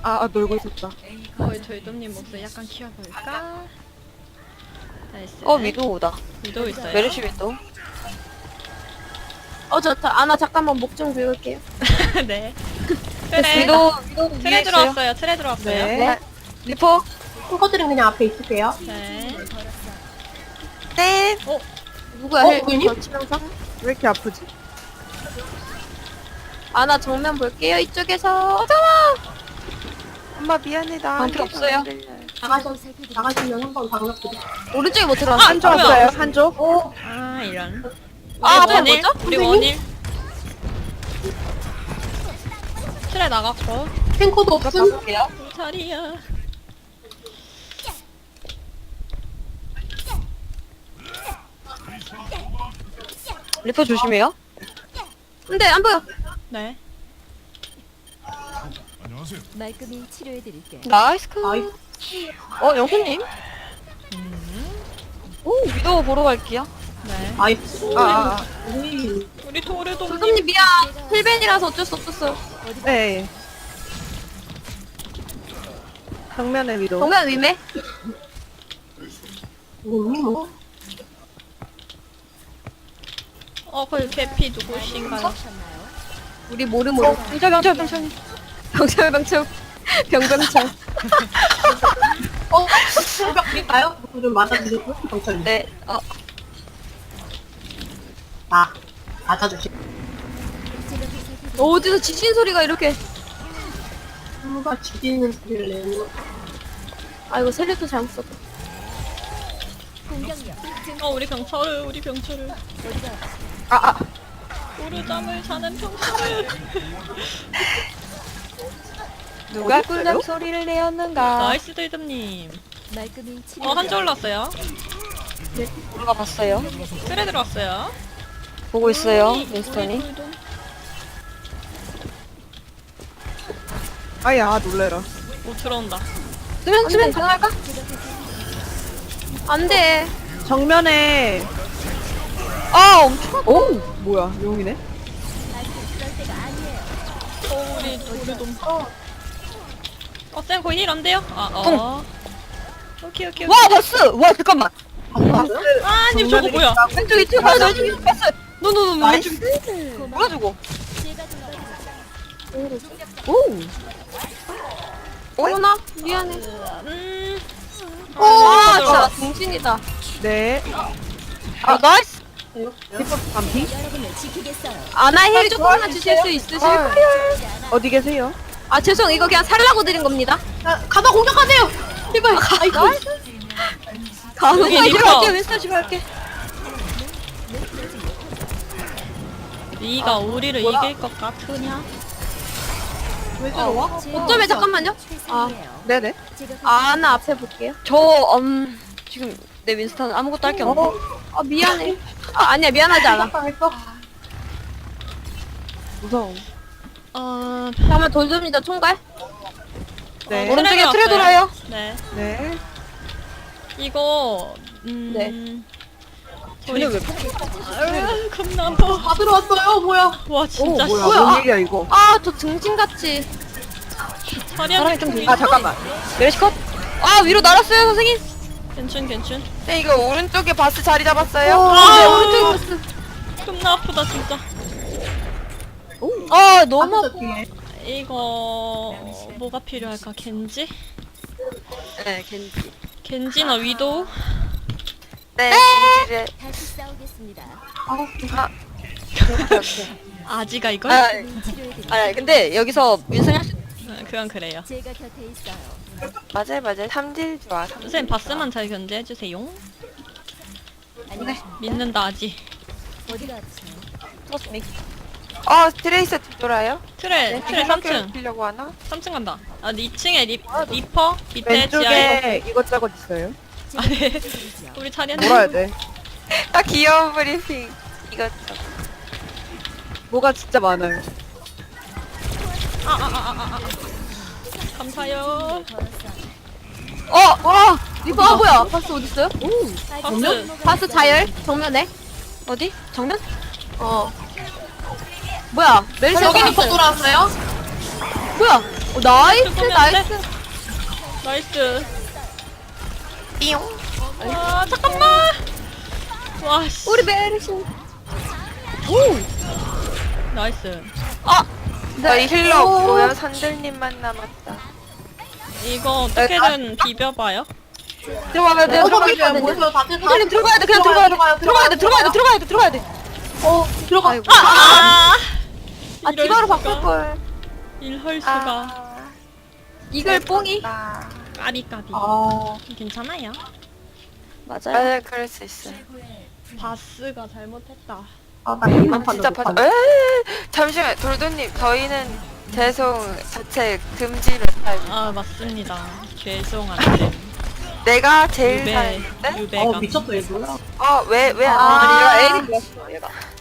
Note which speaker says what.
Speaker 1: 놀고 있었다.
Speaker 2: 저희 돔님 목소리 약간 키워볼까? 나이스.
Speaker 3: 위도우다.
Speaker 2: 위도 있어요.
Speaker 3: 메르시 위도우.
Speaker 4: 좋다. 아나 잠깐만 목 좀 비울게요.
Speaker 2: 네. 트레.
Speaker 3: 위도우
Speaker 2: 트레 들어왔어요. 트레 들어왔어요.
Speaker 1: 네.
Speaker 3: 리퍼.
Speaker 5: 탱커들은 그냥 앞에 있을게요.
Speaker 2: 네.
Speaker 3: 네.
Speaker 4: 누구야?
Speaker 5: 누구니?
Speaker 4: 치명상?
Speaker 1: 왜 이렇게 아프지?
Speaker 4: 아나 정면 볼게요. 이쪽에서. 잠깐만.
Speaker 3: 엄마 미안해 나.
Speaker 4: 방패 없어요.
Speaker 5: 나가시면 한번 방역 드릴게요.
Speaker 4: 오른쪽에 못 들어왔어.
Speaker 1: 한조 왔어요. 한조.
Speaker 2: 아, 이런.
Speaker 4: 앞에
Speaker 2: 원일.
Speaker 4: 뭐죠?
Speaker 2: 우리 원일. 트레 나갔고.
Speaker 5: 탱커도 없음.
Speaker 3: 볼게요.
Speaker 2: 자리야.
Speaker 3: 리퍼 조심해요.
Speaker 4: 근데 안 보여.
Speaker 2: 네.
Speaker 6: 말끔히 치료해드릴게.
Speaker 3: 나이스.
Speaker 5: 나이스.
Speaker 3: 영수님. 오 위도우 보러 갈게요.
Speaker 2: 네.
Speaker 5: 나이스.
Speaker 2: 우리 도르돔님.
Speaker 4: 조금님 미안. 힐벤이라서 어쩔 수 없었어요.
Speaker 1: 네. 정면에 위도.
Speaker 4: 정면 위메.
Speaker 5: 뭐.
Speaker 2: 그 개피 누구신가요?
Speaker 4: 우리 모르모르.
Speaker 3: 병철.
Speaker 4: 병철. 병병철.
Speaker 5: 철벽 드릴까요? 좀 맞아주시고 경찰님.
Speaker 3: 네.
Speaker 5: 맞아주시.
Speaker 4: 어디서 지진 소리가 이렇게.
Speaker 5: 누가 죽이는 소리를 내는 거.
Speaker 4: 아이고 셀렉터 잘못 썼다.
Speaker 6: 공격력.
Speaker 2: 우리 병철을. 오르잠을 자는 병철을.
Speaker 3: 누가 꿀잠 소리를 내었는가?
Speaker 2: 나이스 도이돔님.
Speaker 6: 말끔히 치료.
Speaker 2: 한줄 올랐어요.
Speaker 3: 누가 봤어요?
Speaker 2: 트레 들어왔어요.
Speaker 3: 보고 있어요.
Speaker 2: 우리
Speaker 3: 윈스턴이.
Speaker 2: 도이돔.
Speaker 1: 아야 놀래라.
Speaker 2: 들어온다.
Speaker 4: 수면 가능할까? 안 돼.
Speaker 1: 정면에.
Speaker 3: 엄청.
Speaker 1: 오 뭐야 용이네.
Speaker 2: 우리 도르돔. 쌤 거의 힐 안 돼요? 오케이.
Speaker 3: 와 버스. 와 잠깐만.
Speaker 2: 님 저거 뭐야?
Speaker 3: 왼쪽이 튀어. 왼쪽이 버스. 노노노
Speaker 5: 나이스.
Speaker 3: 왼쪽이. 뭐야 저거?
Speaker 4: 어머나 미안해.
Speaker 2: 아,
Speaker 4: 진짜 정신이다.
Speaker 1: 네.
Speaker 3: 나이스.
Speaker 1: 리퍼 반피.
Speaker 6: 여러분을 지키겠어요.
Speaker 4: 아나 힐 조금만 주실 수 있으실까요?
Speaker 1: 어디 계세요?
Speaker 4: 죄송 이거 그냥 살라고 드린 겁니다.
Speaker 5: 가다 공격하세요. 제발. 아이고.
Speaker 2: 여기 리퍼.
Speaker 3: 할게 윈스턴 집 할게.
Speaker 2: 네가 우리를 이길 것 같으냐?
Speaker 5: 왜 들어와?
Speaker 4: 어쩌면 잠깐만요.
Speaker 6: 세상이에요.
Speaker 1: 네네.
Speaker 6: 제가
Speaker 4: 아나 앞에 볼게요.
Speaker 3: 지금 내 윈스턴 아무것도 할 게 없네.
Speaker 4: 미안해. 아니야 미안하지 않아.
Speaker 5: 당했어.
Speaker 1: 무서워.
Speaker 4: 다음에 돌줍니다 총괄.
Speaker 1: 네.
Speaker 3: 오른쪽에 트레 돌아요.
Speaker 2: 네.
Speaker 1: 네.
Speaker 2: 이거
Speaker 4: 네.
Speaker 3: 전혀 왜
Speaker 2: 겁나 아파.
Speaker 5: 다 들어왔어요. 뭐야?
Speaker 2: 와
Speaker 1: 오
Speaker 2: 진짜
Speaker 1: 뭐야
Speaker 4: 뭐야?
Speaker 1: 뭔 일이야 이거.
Speaker 4: 저 등신같이.
Speaker 2: 사람이 좀
Speaker 1: 잠깐만.
Speaker 3: 메르시 컷. 위로 날았어요 선생님.
Speaker 2: 괜춘.
Speaker 3: 네 이거 오른쪽에 바스 자리 잡았어요.
Speaker 4: 오른쪽에
Speaker 2: 겁나 아프다 진짜.
Speaker 3: 너무
Speaker 5: 아프다, 뒤에.
Speaker 2: 이거 뭐가 필요할까? 겐지?
Speaker 3: 네 겐지.
Speaker 2: 겐지나 위도우?
Speaker 3: 네 겐지를.
Speaker 6: 다시 싸우겠습니다.
Speaker 2: 아지가 이걸?
Speaker 6: 치료해드릴게요.
Speaker 3: 근데 여기서 윈스턴 할수
Speaker 2: 그건 그래요.
Speaker 6: 제가 곁에 있어요.
Speaker 3: 맞아요. 삼질 좋아.
Speaker 2: 선생님 바스만 잘 견제해주세요.
Speaker 6: 안녕하십니까?
Speaker 2: 믿는다 아지.
Speaker 6: 어디가 아프세요?
Speaker 3: 트러스미. 트레이서 뒤돌아요?
Speaker 2: 트레 3층.
Speaker 3: 피려고 하나?
Speaker 2: 3층 간다. 2층에 리퍼? 밑에 지하에.
Speaker 1: 왼쪽에 이것저것 있어요.
Speaker 2: 네. 우리 자리한
Speaker 1: 몰아야 돼.
Speaker 3: 딱 귀여운 브리핑. 이거
Speaker 1: 뭐가 진짜 많아요.
Speaker 2: 감사요.
Speaker 4: 리퍼 뭐야? 바스 어디 있어요?
Speaker 2: 바스.
Speaker 4: 바스 자열 정면에.
Speaker 3: 어디? 정면?
Speaker 4: 뭐야?
Speaker 5: 여기 리퍼 돌아왔어요?
Speaker 4: 뭐야? 나이스
Speaker 2: 죽으면
Speaker 4: 나이스.
Speaker 2: 나이스.
Speaker 3: 띠용.
Speaker 2: 아, 잠깐만. 와, 씨.
Speaker 4: 우리 메르신.
Speaker 2: 나이스.
Speaker 3: 저희 힐러 없고요. 산들님만 남았다.
Speaker 2: 이거 어떻게든 비벼봐요.
Speaker 3: 들어가야 돼.
Speaker 5: 들어가야 돼. 모여서 다들 다.
Speaker 3: 산들님 들어가야 돼. 그냥 들어가야 돼. 들어가야 돼.
Speaker 5: 들어가.
Speaker 3: 아이고.
Speaker 4: 아
Speaker 2: 이럴
Speaker 4: 디바로
Speaker 2: 수가.
Speaker 4: 바꿀 걸.
Speaker 2: 이럴 수가.
Speaker 4: 이글 뽕이.
Speaker 2: 까비까비.
Speaker 5: 아,
Speaker 2: 괜찮아요.
Speaker 3: 맞아요. 그럴 수 있어요.
Speaker 2: 바스가 잘못했다.
Speaker 5: 나 이만
Speaker 3: 진짜
Speaker 5: 판다.
Speaker 3: 봐줘. 잠시만, 돌도님, 저희는 죄송 자체 금지를 할.
Speaker 2: 아, 맞습니다. 죄송한데.
Speaker 3: 내가 제일
Speaker 2: 유배,
Speaker 3: 잘했는데?
Speaker 2: 유배가.
Speaker 5: 미쳤다, 얘 뭐야.
Speaker 3: 왜 안
Speaker 4: 아.
Speaker 3: 돼? 얘가 애니 몰랐어, 얘가.